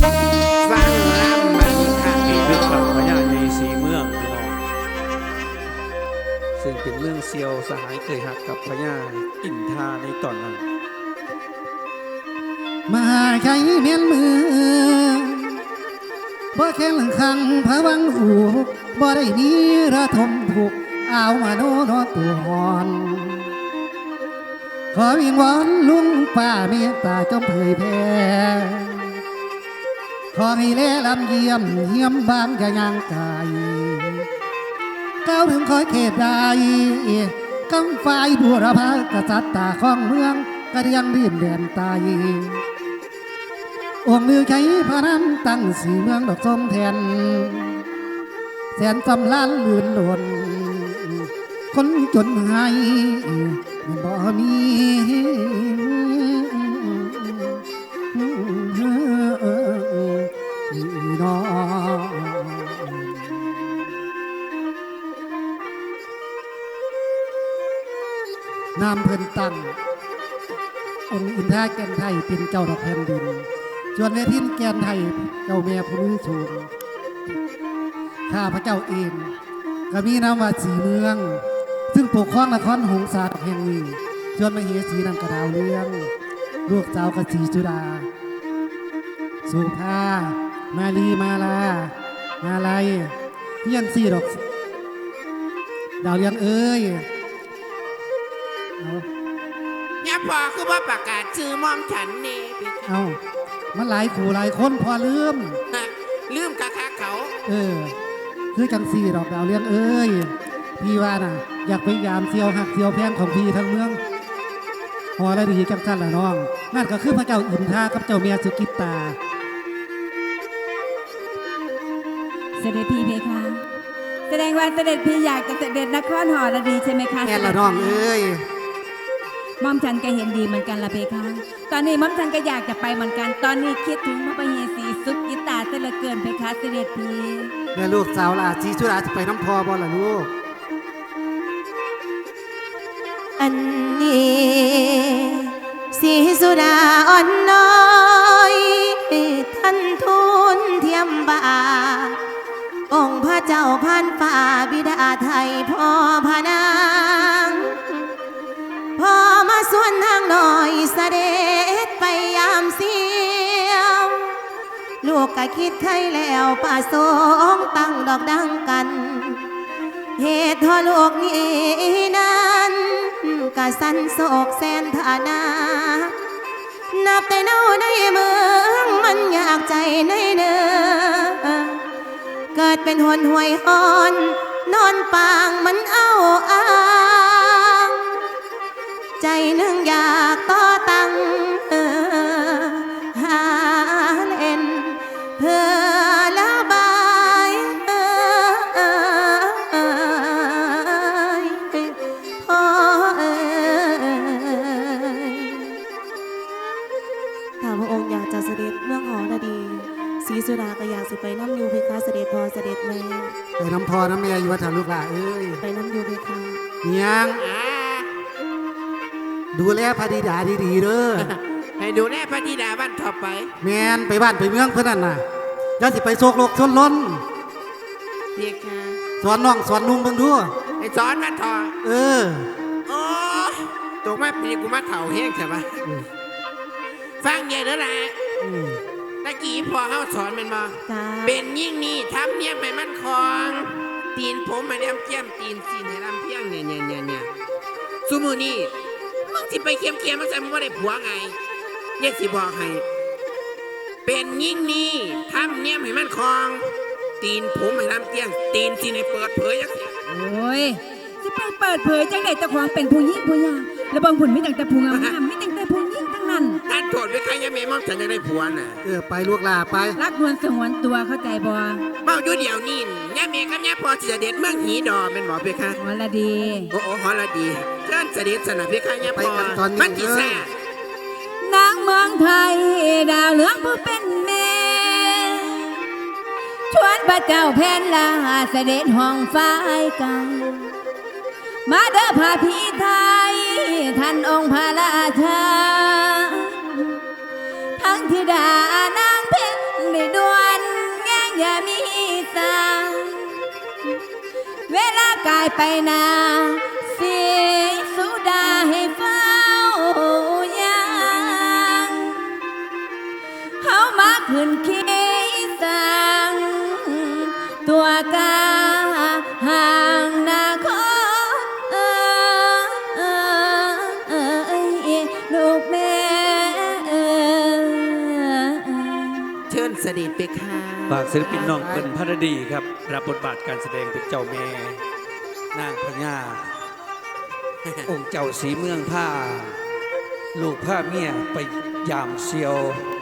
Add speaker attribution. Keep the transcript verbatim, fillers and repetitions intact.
Speaker 1: ฟังลำบัดนี้ค่ะพี่
Speaker 2: เป็
Speaker 1: น้
Speaker 2: น
Speaker 1: อ
Speaker 2: ขับ
Speaker 1: ง
Speaker 2: พญาในสีเมืองพี่น้องซึ่งเป็นเมืองเซียวสหายเคยหักกับพญาอินทาในตอนนั้น
Speaker 3: มาใช้เมียนมือบ่แค่หลังคังพะวังอูบ่ได้มีระทมถูกเอามาโนนอตัวหอน ขอวิงวอนลุงป้าเมตตาจงเผยแผ่ขอให้แลลำเยี่ยมเยี่ยมบ้านกะยางกายก้าวถึงคอยเขตใดกำฝ่ายบุรพากษัตริย์ตาของเมืองกระเดียงดินแดนตายองค์มือใช้พระน้ำตั้งสีเมืองดอกส้มแทนแสนจำล้านลื่นหล่นคนจนหายบ่มีน้องนามเพิ่นตั้งองค์อินทราแก่นไทยเป็นเจ้าดอกแผ่นดินส่วนแม่ทินแก่นไทยเจ้าแม่ผู้นี้สูงข้าพระเจ้าเองก็มีนามว่าสีเมืองซึ่งปกครองนครหงสาแห่งนี้ส่วนมเหสีนำกระดาวเลี้ยงลูกสาวกสีจุดาสุภามาลีมาลามาลัยเพียนสี่ดอกดาวเลี้ยงเอ้ยเอา
Speaker 1: อย่าพอคือว่าประกาศชื่อมอมฉันนี่พี่
Speaker 3: เอามันหลายขู่หลายคนพอลืม
Speaker 1: ฮะลืมกะคาเขา
Speaker 3: เออคือจังสี่ดอกดาวเลี้ยงเอ้ยพี่ว่าน่ะอยากไปยามเซียวหักเซียวแพงของพี่ทั้งเมืองหอและดีจังสั้นละน้องนั่นก็คือพระเจ้าอินทรากับเจ้าเมียสุกิตตา
Speaker 4: เสด็จพี่เพคะแสดงว่าเสด็จพี่อยากจะเสด็จนครหอระดีใช่ไหมคะ
Speaker 3: แม่ละน้องเอ้ย
Speaker 4: ม่อมฉันก็เห็นดีเหมือนกันละเพคะตอนนี้ม่อมฉันก็อยากจะไปเหมือนกัน ตอนนี้คิดถึงพระมเหสีสุกิตาเสยเหลือเกินเพคะเสด็จพี่
Speaker 3: แม่ลูกสาวล่ะชีชุราจะไปน้ำพอบ่ล่ะลูก
Speaker 5: อันนี้สีสุดาอ่อนน้อยท่านทูลเทียมบาองค์พระเจ้าพันฝ่าบิดาไทยพ่อพนางพ่อมาส่วนทางหน่อยเสด็จไปยามเสียวลูกก็คิดใครแล้วป่าสงตั้งดอกดังกันเหตุทอลูกนี้นั้นกะสันโศกแสนฐานานับแต่เน่าในเมืองมันอยากใจในเนื้อเกิดเป็นหนห่วยอ่อนนอนปางมันเอาอ้างใจหนึ่งอยากต่อตั้งเออหาเล่นเพื่อละบายเออเออเออพ่อเอ๋ยถ้าพระองค์อยากจะเสด็จเมืองหอระดีศรีสุดาก็อยากสิไปน้ำยูเพคะเสด็จพ่อเสด็จแม่
Speaker 3: ไปน้ำพอน้ำแม่อยู่วัดถาลูกหล่ะเอ้ย
Speaker 5: ไปน้ำยูเพคะ
Speaker 3: ยัง
Speaker 1: อ่า
Speaker 3: ดูแลพระธิดาดีๆเด้อ
Speaker 1: ให้ดูแลพระธิดาบ้านต่อไป
Speaker 3: แมนไปบ้านไปเมืองเพื่อนนั่นน่ะอย่าสิไปโศกโลกชนล้น
Speaker 1: เรียกค่ะ
Speaker 3: สอนน้องสอนนุ่งเบิ่งดู
Speaker 1: ไอ้สอนมาทอ
Speaker 3: เออ
Speaker 1: โอ้ตกมาปีกูมาเถ่าแห้งใช่ปะฟังเยอะแล้วล่ะ
Speaker 3: อืม
Speaker 1: ตะกี้พอเขาสอนมันมา
Speaker 5: จ้า
Speaker 1: เป็นยิ่งนี่ทำเนี่ยไม่มั่นคงตีนผมมาเลี้ยมเจียมตีนสีนให้ลำเพียงเนี่ยเนี่ยเนี่ยเนี่ยสุมือนี่มึงสิไปเคียมเคียมมันจะมึงว่าได้ผัวไงเนี่ยสิบอกให้เป็นยิ่งนี่ทำเนี่ยให้มั่นคงตีนผมให้ลำเจียงตีนสีนให้เปิดเผยยังเสีย
Speaker 4: โอ้ยจะไปเปิดเผยจังไดเจ้าของเป็นผู้หญิงผู้ยาแล้วบางผุนไม่ตั้งแต่ผู้งามๆไม่ตั้งแต่ผู้หญิงทั้งนั้น
Speaker 1: ท่านโทษไว้ใครยังไม่มองฉันจะได้ผัวน่ะ
Speaker 3: เออไปลูกหล่ะไป
Speaker 4: รักนวลสงวนตัวเข้าใจบ่
Speaker 1: เมาอยู่เดี๋ยวนี้ย่าเมย์กับย่าพอสิเสด็จเมืองหีดอเป็นหมอเพคะ
Speaker 4: หอระดี
Speaker 1: โอ้โอ้ฮอลดีเชิญเสด็จสนะเพคะย่าพ
Speaker 3: ไป
Speaker 1: อ
Speaker 3: กันตอนนี้
Speaker 1: มันจีแซ่
Speaker 4: นางเมืองไทยดาวเหลืองผู้เป็นแม่ชวนพระเจ้าแผ่นลาเสด็จห้องฟ้ายกันมาเด้อพาพี่ไทยท่านองค์พระราชาทั้งธิดานางเพ็ญเดกายไปนาสีสุดาให้เฝ้ายังเฮามาขึ้นขี้สังตัวกาห่างนาคตเอ้ยลูกแม่เอ้ย
Speaker 1: เชิญเสด็จไปค่ะ
Speaker 2: ฝากศิลปินน้องเปิ้ลพระดีครับรับบทบาทการแสดงเป็นเจ้าแม่นางพญา องค์เจ้าสีเมืองผ้า ลูกผ้าเมียไปยามเซียว